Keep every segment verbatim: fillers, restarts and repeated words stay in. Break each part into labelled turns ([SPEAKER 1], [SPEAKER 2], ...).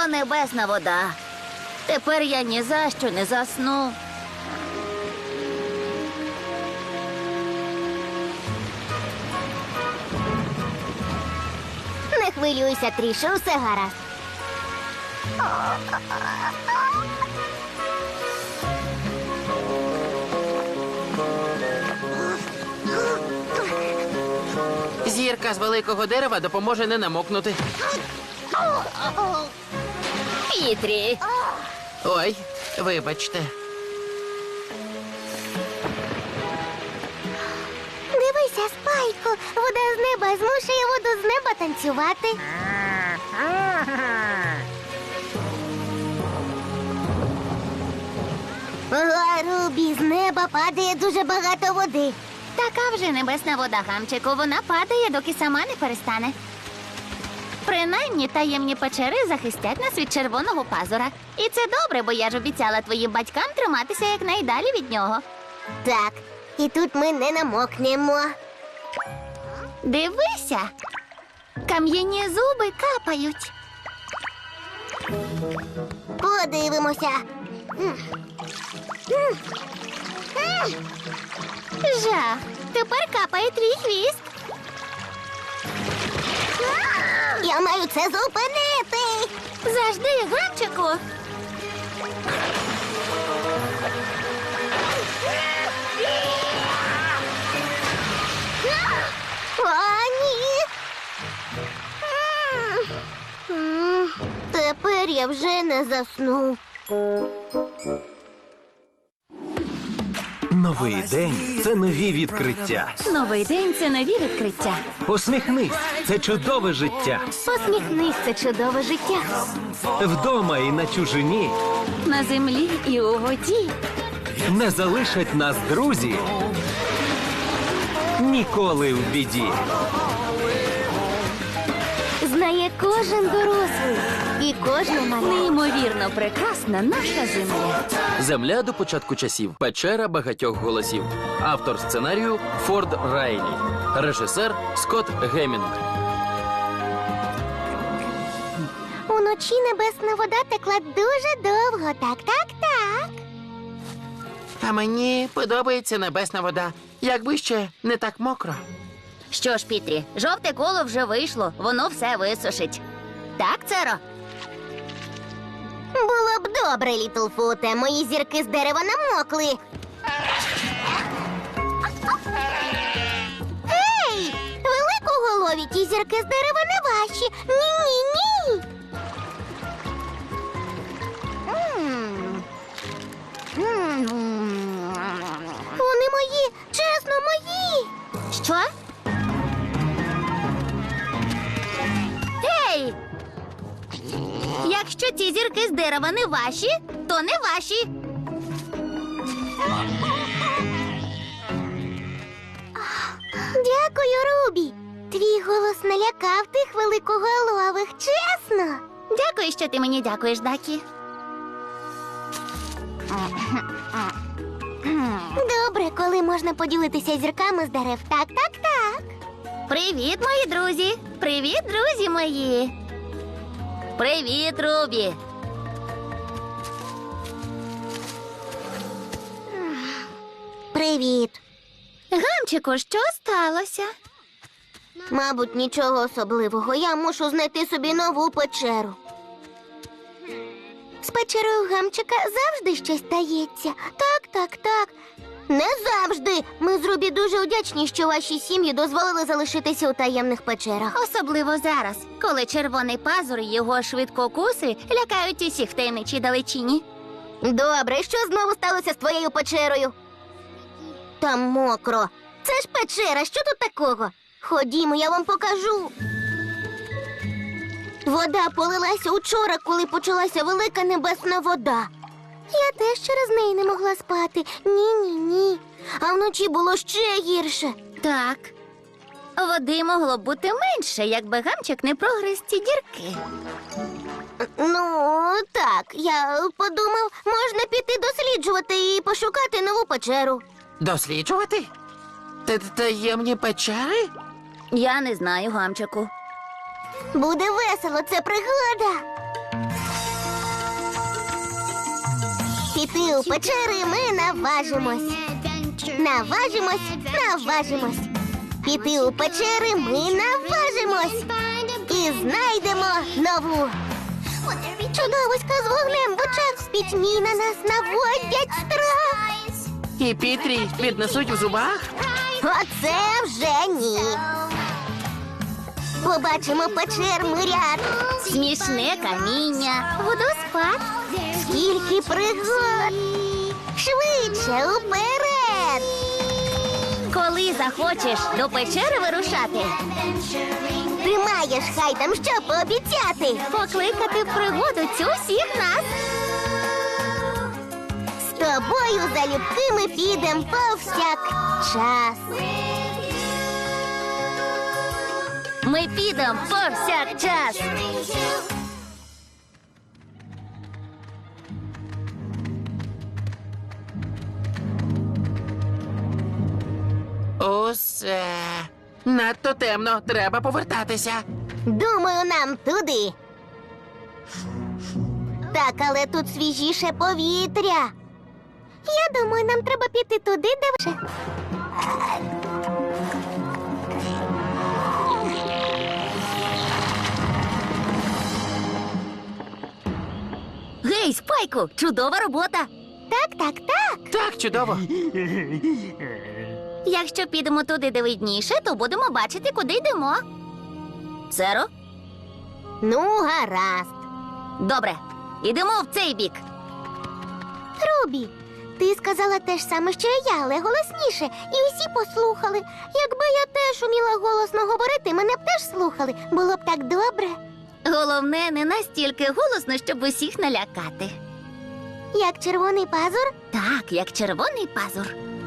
[SPEAKER 1] О, небесна вода. Тепер я ні за що не засну.
[SPEAKER 2] Не хвилюйся, Трішо, усе гаразд.
[SPEAKER 3] Зірка з великого дерева допоможе не намокнути.
[SPEAKER 1] Пітрі.
[SPEAKER 3] Ой, вибачте.
[SPEAKER 2] Дивися, Спайку, вода з неба змушує воду з неба танцювати. Ага, Рубі, з неба падає дуже багато води.
[SPEAKER 1] Така вже небесна вода, Гамчику. Вона падає, доки сама не перестане. Принаймні, таємні печери захистять нас від червоного пазура. І це добре, бо я ж обіцяла твоїм батькам триматися якнайдалі від нього.
[SPEAKER 2] Так, і тут ми не намокнемо.
[SPEAKER 1] Дивися, кам'яні зуби капають.
[SPEAKER 2] Подивимося. М. М. М.
[SPEAKER 1] Жах, тепер капає твій хвіст.
[SPEAKER 2] Я маю це зупинити.
[SPEAKER 1] Завжди, Гамчику.
[SPEAKER 2] О, ні. М. М. Тепер я вже не засну.
[SPEAKER 4] Новий день – це нові відкриття.
[SPEAKER 1] Новий день – це нові відкриття.
[SPEAKER 4] Посміхнись – це чудове життя.
[SPEAKER 1] Посміхнись, це чудове життя.
[SPEAKER 4] Вдома і на чужині
[SPEAKER 1] На землі і у воді.
[SPEAKER 4] не залишать нас друзі ніколи в біді.
[SPEAKER 2] Знає кожен дорослий і кожна мала.
[SPEAKER 1] Неймовірно прекрасна наша земля.
[SPEAKER 3] Земля до початку часів. Печера багатьох голосів. Автор сценарію Форд Райлі. Режисер Скотт Гемінг.
[SPEAKER 2] Уночі небесна вода текла дуже довго. Так, так, так.
[SPEAKER 3] А мені подобається небесна вода. Якби ще не так мокро.
[SPEAKER 1] Що ж, Пітрі, жовте коло вже вийшло, воно все висушить. Так, Церо?
[SPEAKER 2] Було б добре, Літлфуте. Мої зірки з дерева намокли. Ей! Великоголові, ті зірки з дерева не ваші. Ні-ні-ні. М. М. Вони мої, чесно, мої.
[SPEAKER 1] Що? Ей! Якщо ці зірки з дерева не ваші, то не ваші.
[SPEAKER 2] Дякую, Рубі. Твій голос налякав тих великоголових, чесно.
[SPEAKER 1] Дякую, що ти мені дякуєш, Дакі.
[SPEAKER 2] Добре, коли можна поділитися зірками з дерев. Так, так, так.
[SPEAKER 1] Привіт, мої друзі! Привіт, друзі мої! Привіт, Рубі!
[SPEAKER 2] Привіт.
[SPEAKER 1] Гамчику, що сталося?
[SPEAKER 2] Мабуть, нічого особливого. Я мушу знайти собі нову печеру. З печерою Гамчика завжди щось стається. Так, так, так. Не завжди. Ми з Рубі дуже вдячні, що ваші сім'ї дозволили залишитися у таємних печерах.
[SPEAKER 1] Особливо зараз, коли червоний пазур і його швидкокуси лякають усіх в таємничій далечині.
[SPEAKER 2] Добре, що знову сталося з твоєю печерою? Там мокро. Це ж печера, що тут такого? Ходімо, я вам покажу. Вода полилася учора, коли почалася велика небесна вода. Я теж через неї не могла спати. Ні-ні-ні. А вночі було ще гірше.
[SPEAKER 1] Так. Води могло б бути менше, якби Гамчик не прогриз ці дірки.
[SPEAKER 2] Ну, так, я подумав, можна піти досліджувати і пошукати нову печеру.
[SPEAKER 3] Досліджувати? Та- Таємні печери?
[SPEAKER 1] Я не знаю, Гамчику.
[SPEAKER 2] Буде весело, це пригода. Піти у печери ми наважимось. Наважимось, наважимось. Піти у печери ми наважимось. І знайдемо нову. Чудовиська з вогнем в очах в пітьмі на нас наводять страх.
[SPEAKER 5] І Пітрі піднесуть в зубах?
[SPEAKER 2] Оце вже ні. Побачимо печер ряд.
[SPEAKER 1] Смішне каміння, водоспад.
[SPEAKER 2] Скільки пригод. Швидше уперед.
[SPEAKER 1] Коли захочеш до печери вирушати,
[SPEAKER 2] Ти маєш хай там що пообіцяти.
[SPEAKER 1] покликати в пригоду цю всіх нас.
[SPEAKER 2] З тобою залюбки ми підем повсякчас.
[SPEAKER 1] Ми підемо повсякчас.
[SPEAKER 5] Усе. Надто темно, треба повертатися.
[SPEAKER 2] Думаю, нам туди. Так, але тут свіжіше повітря. Я думаю, нам треба піти туди, де вже.
[SPEAKER 1] Гей, Спайку, чудова робота.
[SPEAKER 2] Так, так, так.
[SPEAKER 5] Так, чудово.
[SPEAKER 1] Якщо підемо туди, де видніше, то будемо бачити, куди йдемо. Серо?
[SPEAKER 2] Ну, гаразд.
[SPEAKER 1] Добре, ідемо в цей бік.
[SPEAKER 2] Рубі, ти сказала те ж саме, що і я, але голосніше. І усі послухали. Якби я теж уміла голосно говорити, мене б теж слухали. Було б так добре.
[SPEAKER 1] Головне, не настільки голосно, щоб усіх налякати.
[SPEAKER 2] Як червоний пазур?
[SPEAKER 1] Так, як червоний пазур.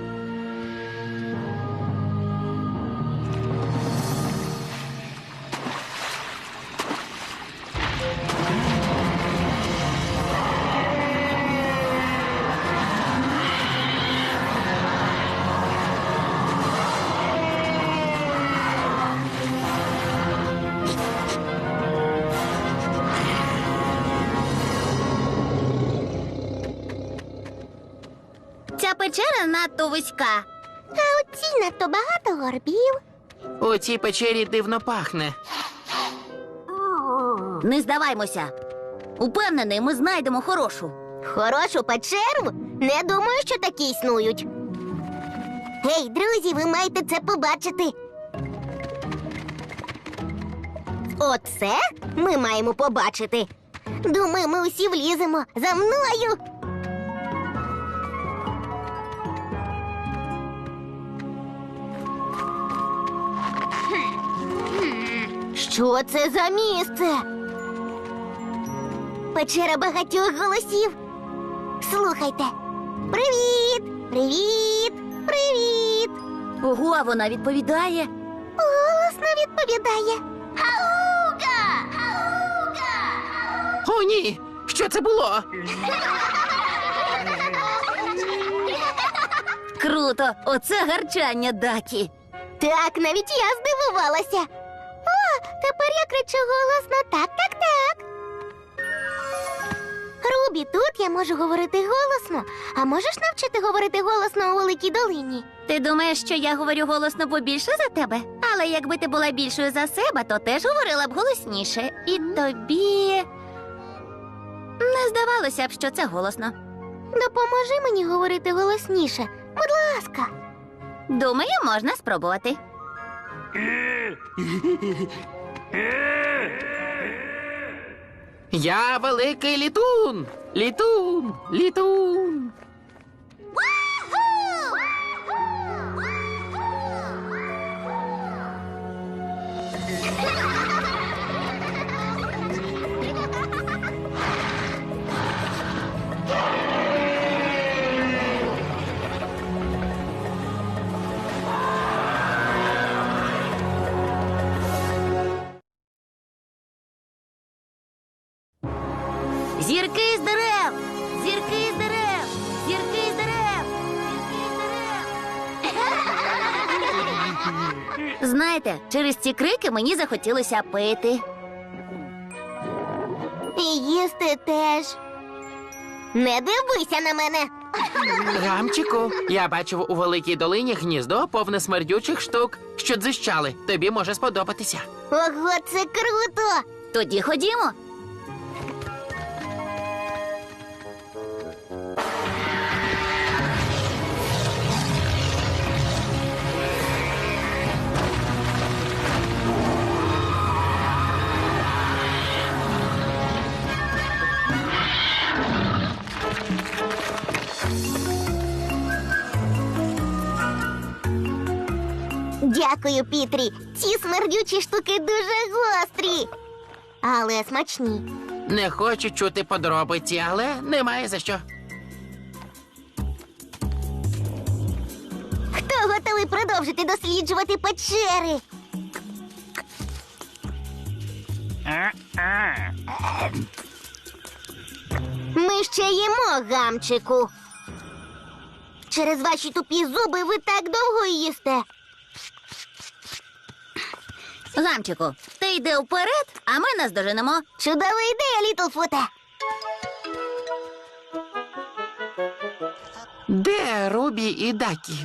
[SPEAKER 1] Ця печера надто вузька.
[SPEAKER 2] А у цій надто багато горбів.
[SPEAKER 5] У цій печері дивно пахне.
[SPEAKER 1] Не здаваймося. Упевнений, ми знайдемо хорошу.
[SPEAKER 2] Хорошу печеру? Не думаю, що такі існують. Гей, друзі, ви маєте це побачити. Оце ми маємо побачити. Думаю, ми усі вліземо. За мною. Що це за місце? Печера багатьох голосів. Слухайте. Привіт! Привіт! Привіт!
[SPEAKER 1] Ого, а вона відповідає.
[SPEAKER 2] Голосно відповідає. Хауга!
[SPEAKER 5] О, ні! Що це було?
[SPEAKER 1] Круто! Оце гарчання Дакі.
[SPEAKER 2] Так, навіть я здивувалася. О, тепер я кричу голосно. Так, так, так. Рубі, тут я можу говорити голосно. А можеш навчити говорити голосно у Великій долині?
[SPEAKER 1] Ти думаєш, що я говорю голосно побільше за тебе? Але якби ти була більшою за себе, то теж говорила б голосніше. І тобі не здавалося б, що це голосно.
[SPEAKER 2] Допоможи мені говорити голосніше. Будь ласка.
[SPEAKER 1] Думаю, можна спробувати.
[SPEAKER 5] Я великий літун! Літун! Літун!
[SPEAKER 1] Зірки з дерев! Зірки з дерев! Зірки з дерев! Зірки з дерев! Знаєте, через ці крики мені захотілося пити.
[SPEAKER 2] І їсти теж. Не дивися на мене.
[SPEAKER 5] Гамчику, я бачив у великій долині гніздо повне смердючих штук, що дзищали. Тобі може сподобатися.
[SPEAKER 2] Ого, це круто!
[SPEAKER 1] Тоді ходімо.
[SPEAKER 2] Дякую, Пітрі. Ці смердючі штуки дуже гострі, але смачні.
[SPEAKER 5] Не хочу чути подробиці, але немає за що.
[SPEAKER 2] Хто готовий продовжити досліджувати печери? Ми ще їмо, гамчику. Через ваші тупі зуби ви так довго їсте.
[SPEAKER 1] Гамчику, ти йди вперед, а ми наздоженемо.
[SPEAKER 2] Чудова ідея, Літлфуте.
[SPEAKER 5] Де Рубі і Дакі?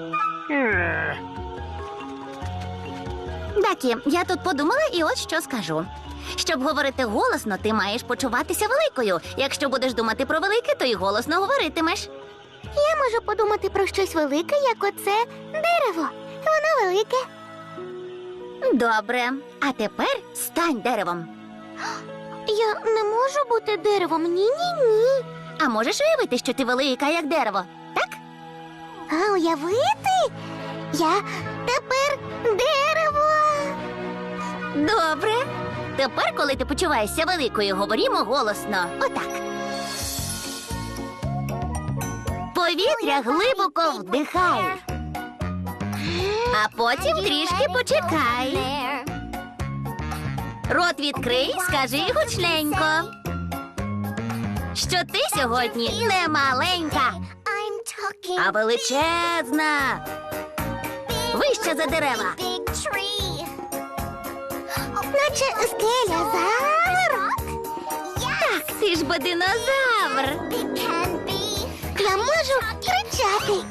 [SPEAKER 1] Дакі, я тут подумала і от що скажу. Щоб говорити голосно, ти маєш почуватися великою. Якщо будеш думати про велике, то й голосно говоритимеш.
[SPEAKER 2] Я можу подумати про щось велике, як оце дерево. Воно велике.
[SPEAKER 1] Добре. А тепер стань деревом.
[SPEAKER 2] Я не можу бути деревом. Ні-ні-ні.
[SPEAKER 1] А можеш уявити, що ти велика, як дерево, так?
[SPEAKER 2] А уявити? Я тепер дерево.
[SPEAKER 1] Добре. Тепер, коли ти почуваєшся великою, говоримо голосно. Отак. Повітря глибоко вдихай. А потім трішки почекай. Рот відкрий, скажи гучненько, що ти сьогодні не маленька, а величезна. Вище за дерева.
[SPEAKER 2] Наче скеля завр.
[SPEAKER 1] Так, ти ж бо динозавр.
[SPEAKER 2] Я можу кричати.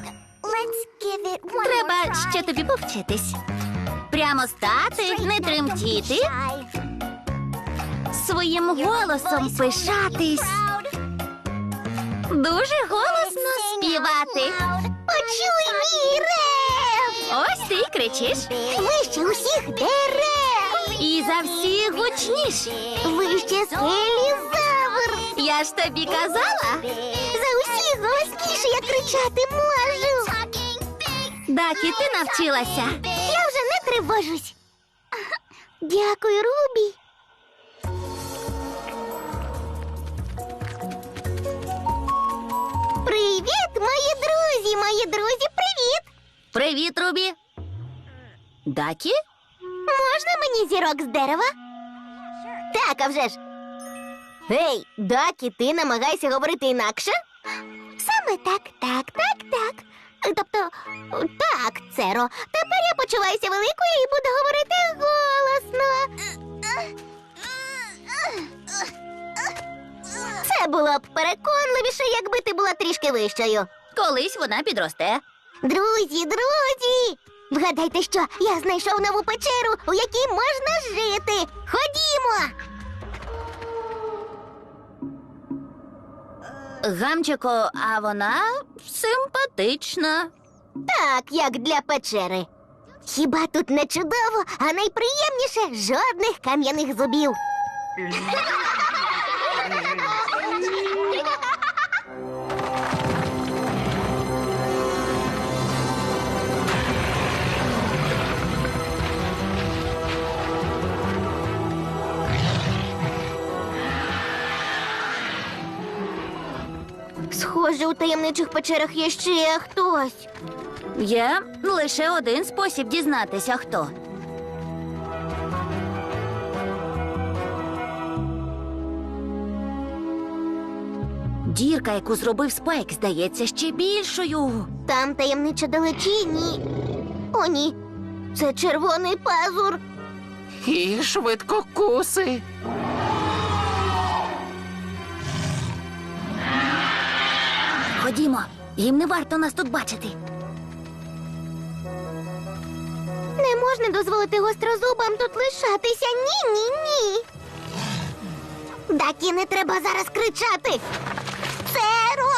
[SPEAKER 1] Треба ще тобі повчитись. Прямо стати, не тремтіти, своїм голосом пишатись, дуже голосно співати.
[SPEAKER 2] Почуй мій рев.
[SPEAKER 1] Ось ти й кричиш.
[SPEAKER 2] Вище усіх дерев.
[SPEAKER 1] І за всіх гучніш.
[SPEAKER 2] Вище скелі завр.
[SPEAKER 1] Я ж тобі казала.
[SPEAKER 2] За усіх голосніше я кричати можу.
[SPEAKER 1] Дакі, ти навчилася.
[SPEAKER 2] Я вже не тривожусь. Дякую, Рубі. Привіт, мої друзі, мої друзі, привіт!
[SPEAKER 1] Привіт, Рубі. Дакі?
[SPEAKER 2] Можна мені зірок з дерева? Так, а вже ж. Гей, Дакі, ти намагайся говорити інакше? Саме так, так, так, так. Тобто, так, Церо, тепер я почуваюся великою і буду говорити голосно. Це було б переконливіше, якби ти була трішки вищою.
[SPEAKER 1] Колись вона підросте.
[SPEAKER 2] Друзі, друзі! Вгадайте, що я знайшов нову печеру, у якій можна жити. Ходімо!
[SPEAKER 1] Гамчико, а вона симпатична.
[SPEAKER 2] Так, як для печери. Хіба тут не чудово, а найприємніше жодних кам'яних зубів. Схоже, у таємничих печерах є ще хтось.
[SPEAKER 1] Є лише один спосіб дізнатися, хто. Дірка, яку зробив Спайк, здається ще більшою.
[SPEAKER 2] Там таємниче далечині. О, ні. Це червоний пазур.
[SPEAKER 5] І швидкокуси.
[SPEAKER 1] Ходімо, їм не варто нас тут бачити.
[SPEAKER 2] Не можна дозволити гострозубам тут лишатися. Ні, ні, ні. Дакі, не треба зараз кричати. Церо!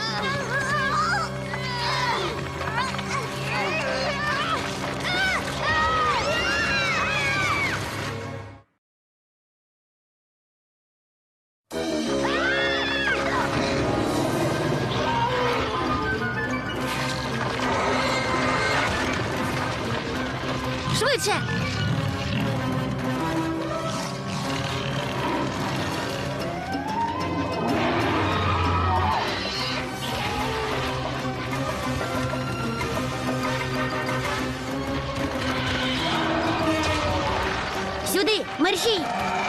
[SPEAKER 1] Швидше! Сюди, мерщій!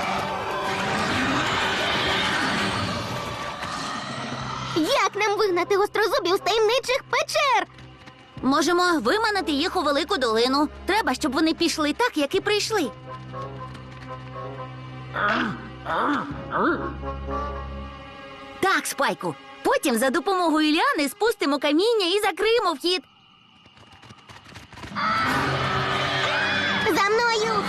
[SPEAKER 2] Як нам вигнати гострозубів з таємничих печер?
[SPEAKER 1] Можемо виманити їх у велику долину. Треба, щоб вони пішли так, як і прийшли. Так, Спайку. Потім за допомогою ліани спустимо каміння і закриємо вхід.
[SPEAKER 2] За мною!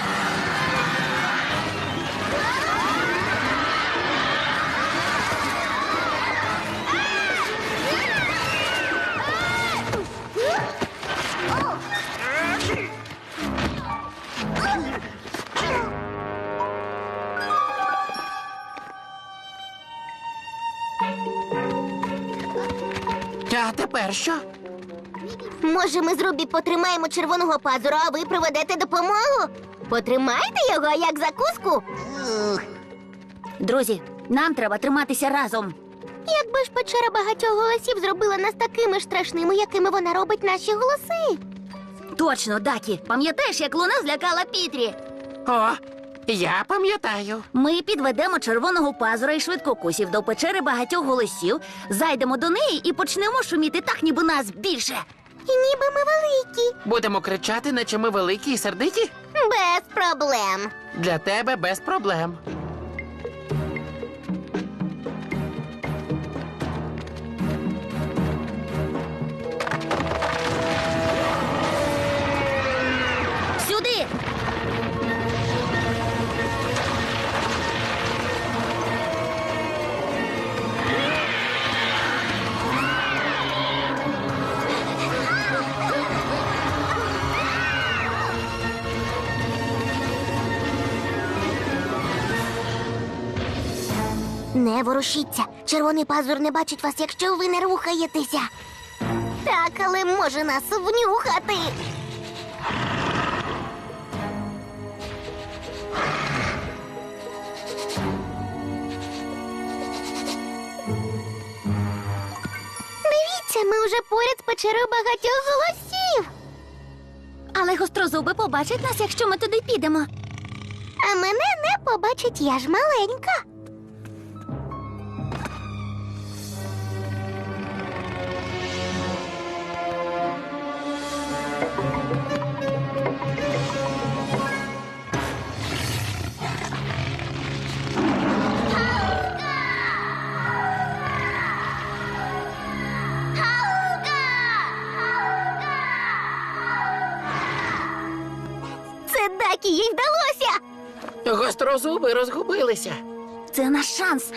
[SPEAKER 5] А тепер що?
[SPEAKER 2] Може, ми з Рубі потримаємо червоного пазура, а ви проведете допомогу? Потримайте його як закуску.
[SPEAKER 1] Друзі, нам треба триматися разом.
[SPEAKER 2] Якби ж печера багатьох голосів зробила нас такими ж страшними, якими вона робить наші голоси.
[SPEAKER 1] Точно, Дакі. Пам'ятаєш, як луна злякала Пітрі?
[SPEAKER 5] О, я пам'ятаю.
[SPEAKER 1] Ми підведемо червоного пазура і швидкокусів до печери багатьох голосів, зайдемо до неї і почнемо шуміти так, ніби нас більше.
[SPEAKER 2] І ніби ми великі.
[SPEAKER 5] Будемо кричати, наче ми великі і сердиті?
[SPEAKER 2] Без проблем.
[SPEAKER 5] Для тебе без проблем.
[SPEAKER 1] Сюди!
[SPEAKER 2] Не ворушіться. Червоний пазур не бачить вас, якщо ви не рухаєтеся. Так, але може нас внюхати. Дивіться, ми вже поряд з печерою багатьох голосів.
[SPEAKER 1] Але гострозуби побачать нас, якщо ми туди підемо.
[SPEAKER 2] А мене не побачить, я ж маленька. Це Дакі, їй вдалося.
[SPEAKER 5] Гострозуби розгубилися.
[SPEAKER 1] Це наш шанс.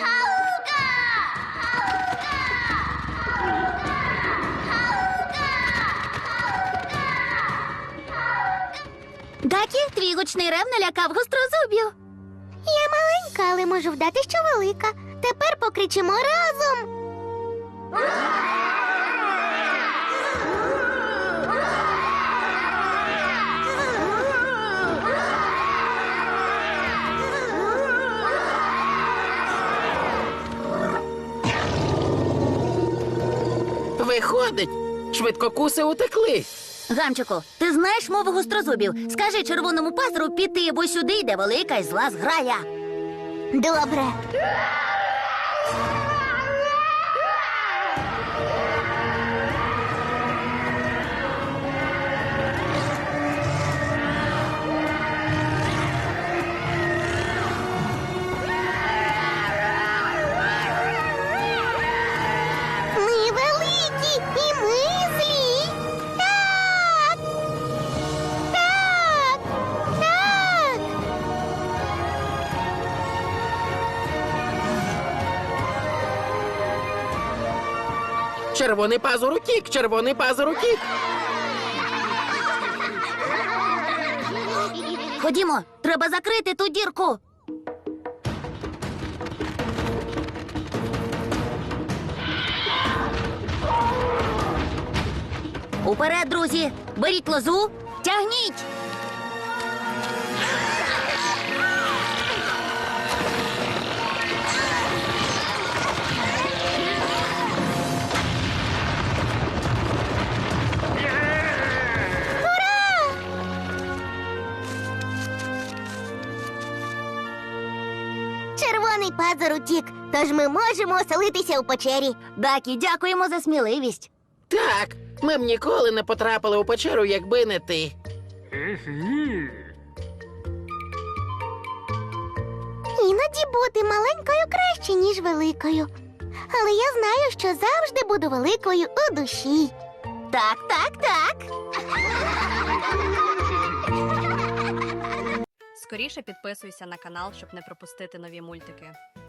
[SPEAKER 1] Дакі, твій гучний рев налякав гострозубів.
[SPEAKER 2] Я маленька, але можу вдати, що велика. Тепер покричимо разом.
[SPEAKER 5] Виходить, швидкокуси утекли.
[SPEAKER 1] Гамчику, ти знаєш мову гострозубів? Скажи червоному пазуру піти, бо сюди йде велика і зла зграя.
[SPEAKER 2] Добре. Ми великі.
[SPEAKER 5] Червоний пазур утік, червоний пазур утік.
[SPEAKER 1] Ходімо, треба закрити ту дірку. Уперед, друзі! Беріть лозу, тягніть!
[SPEAKER 2] Червоний пазур утік, тож ми можемо оселитися у печері.
[SPEAKER 1] Дакі, дякуємо за сміливість.
[SPEAKER 5] Так, ми б ніколи не потрапили у печеру, якби не ти.
[SPEAKER 2] Іноді бути маленькою краще, ніж великою. Але я знаю, що завжди буду великою у душі.
[SPEAKER 1] Так, так, так.
[SPEAKER 6] Скоріше підписуйся на канал, щоб не пропустити нові мультики.